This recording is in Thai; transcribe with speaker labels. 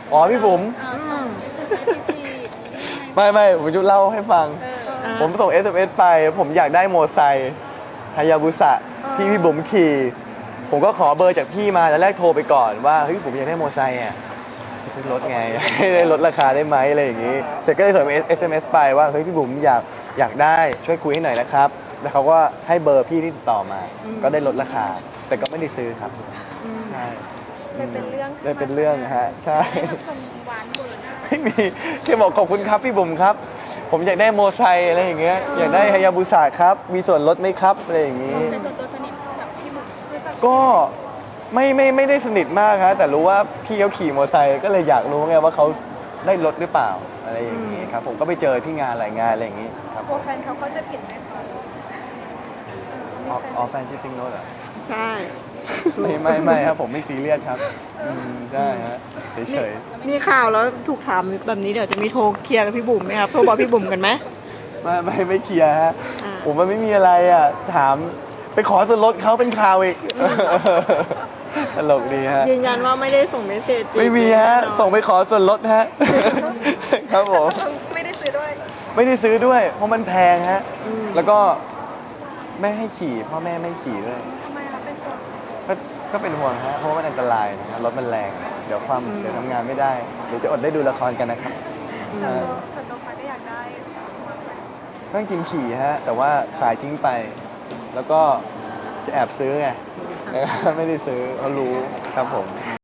Speaker 1: อ๋อพี่บุ๋มไม่ผมจะเล่าให้ฟังผมส่ง SMS ไปผมอยากได้โมไซค์ฮายาบุสะที่พี่บุ๋มขี่ผมก็ขอเบอร์จากพี่มาแล้วแรกโทรไปก่อนว่าเฮ้ยผมอยากได้โมไซค์อ่ะไปซื้อรถไงให้ได้ลดราคาได้ไหมอะไรอย่างงี้เสร็จก็เลยส่ง SMS ไปว่าเฮ้ยพี่บุ๋มอยากได้ช่วยคุยให้หน่อยนะครับแล้วเขาก็ให้เบอร์พี่ที่ติดต่อมาก็ได้ลดราคาแต่ก็ไม่ได้ซื้อครับใช่
Speaker 2: เลยเป็นเรื่อง
Speaker 1: เลยเป็นเรื่องฮะใช่
Speaker 2: คนหวานเบอร์หน้า
Speaker 1: ไม่มีที่บอกขอบคุณครับพี่บุ๋มครับผมอยากได้โมไซค์อะไรอย่างเงี้ยอยากได้ฮายาบุสะครับมีส่วนลดไหมครับอะไรอย่างงี้
Speaker 2: แต่ส่วนตัวสนิทกับพี่บุ๋มรู้จัก
Speaker 1: ก็ไม่ได้สนิทมากครับแต่รู้ว่าพี่เขาขี่มอเตอร์ไซค์ก็เลยอยากรู้ไงว่าเขาได้ลดหรือเปล่าอะไรอย่างงี้ครับผมก็ไปเจอที่งานหลายงานอะไรอย่างงี้ครับ
Speaker 2: ตัวแฟนเขาจะผิดไหมคะ
Speaker 1: อ๋อแฟนชื่อติ๊งโน้ตเหรอ
Speaker 3: ใช่
Speaker 1: ไม่ครับผมไม่ซีเรียสครับใช่ฮะเฉย
Speaker 3: มีข่าวแล้วถูกถามแบบนี้เดี๋ยวจะมีโทรเคลียร์กับพี่บุ๋มไหมครับโทรบอกพี่บุ๋มกันไหม
Speaker 1: ไม่เคลียร์ฮะผมมันไม่มีอะไรอ่ะถามไปขอส่วนลดเขาเป็นข่าวอีกตลกดีฮะ
Speaker 3: ยืนยันว่าไม่ได้ส่งเมสเซจ
Speaker 1: ไม่มีฮะส่งไปขอส่วนลดฮะครับผม
Speaker 2: ไม่ได้ซื้อด้วย
Speaker 1: ไม่ได้ซื้อด้วยเพราะมันแพงฮะแล้วก็ไม่ให้ขี่พ่อแม่ไม่ขี่ด้วย
Speaker 2: ทำไมคะเป็นตัว
Speaker 1: ก็เป็นห่วงฮะเพราะว่ามันอันตรายนะรถมันแรงเดี๋ยวทำงานไม่ได้เดี๋ยวจะอดได้ดูละครกันนะครับ
Speaker 2: ส่วนตัวฟ้าก็อยากได้มอเตอร์ไซค์
Speaker 1: ก็จริงขี่ฮะแต่ว่าขายทิ้งไปแล้วก็จะแอบซื้อไงไม่ได้ซื้อเขารู้ครับผม